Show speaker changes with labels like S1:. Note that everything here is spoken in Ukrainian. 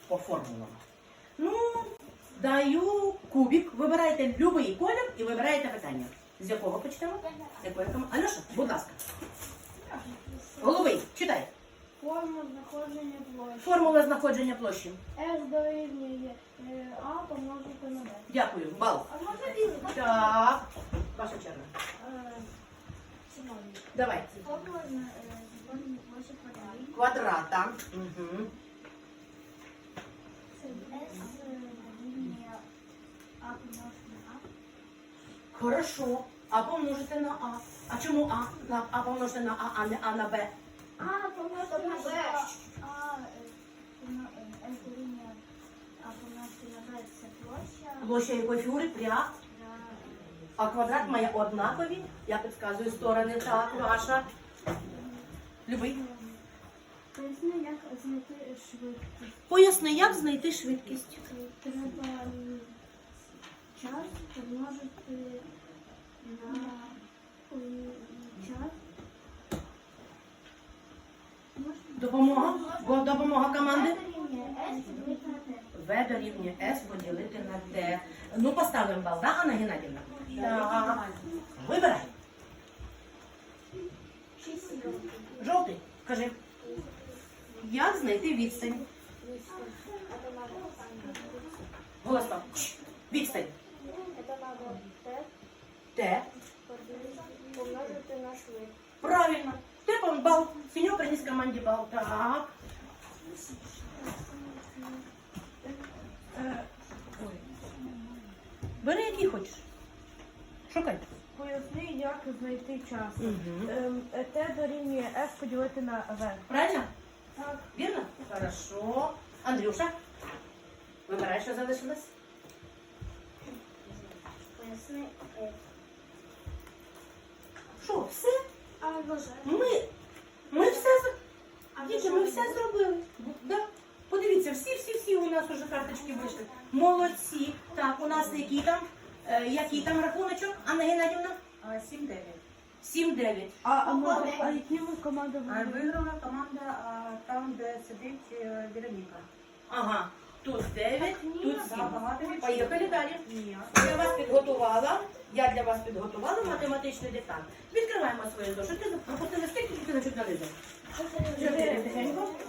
S1: по формулам. Ну, даю кубик. Вибирайте будь-який колір і вибираєте питання. З якого почнемо? З якої команди? Альоша, будь ласка. Головий, читай.
S2: Формула знаходження площі.
S1: Формула знаходження площі.
S2: S дорівнює А помножити на B.
S1: Дякую. Бал.
S2: А можна різати?
S1: Так. Ваша черга.
S2: Сьогодні.
S1: Давай.
S2: Формула знаходження площі квадратів.
S1: Квадрата. Угу.
S2: Це S дорівнює А помножити на А.
S1: Хорошо. А помножити на А. А чому А? А помножити на А, а не А на Б.
S2: А помножити на Б. S дорівнює А помножити на Б це площа.
S1: Площа якої фігури? Пряма. А квадрат має однакові. Я підказую сторони. Так, ваша. Любий.
S2: Поясни, як знайти швидкість.
S1: Поясни, як знайти швидкість.
S2: Треба час помножити на час.
S1: Допомога? Допомога команди?
S2: S дорівнює S
S1: В
S2: поділити на T.
S1: дорівнює S поділити на Т. Ну, поставимо бал, так, Анна Геннадівна? Так. Вибирай.
S2: 6 років.
S1: Жовтий. Кажи. Як знайти відстань? Голосно. Відстань.
S2: Це треба Т
S1: Т.
S2: помножити на швидкість.
S1: Правильно. Ти бал. Синьо приніс команді бал. Так. Бери, який хочеш. Шукай.
S3: Поясни, як знайти час.
S1: Угу.
S3: Т дорівнює F поділити на В.
S1: Правильно?
S3: Так.
S1: Вірно? Хорошо. Андрюша, вибирай, що залишилось.
S2: Поясни.
S1: Що, все?
S2: А вважаю.
S1: Ми все діти, ми все зробили. Да. Подивіться, всі у нас уже карточки вийшли. Молодці. Так, у нас який там рахуночок, Анна Геннадівна?
S4: 7-9.
S1: 7-9.
S3: А які ви команди
S4: А
S3: вибрали?
S4: виграла команда там, де сидить Вероніка.
S1: Ага. Тут 9, тут 7.
S4: Поїхали.
S1: Поїхали далі.
S4: Ні.
S1: Я для вас підготувала математичний диктант. Відкриваємо свої зошити. Пропустили скільки, тільки на чуть нализу. 4 тихенько.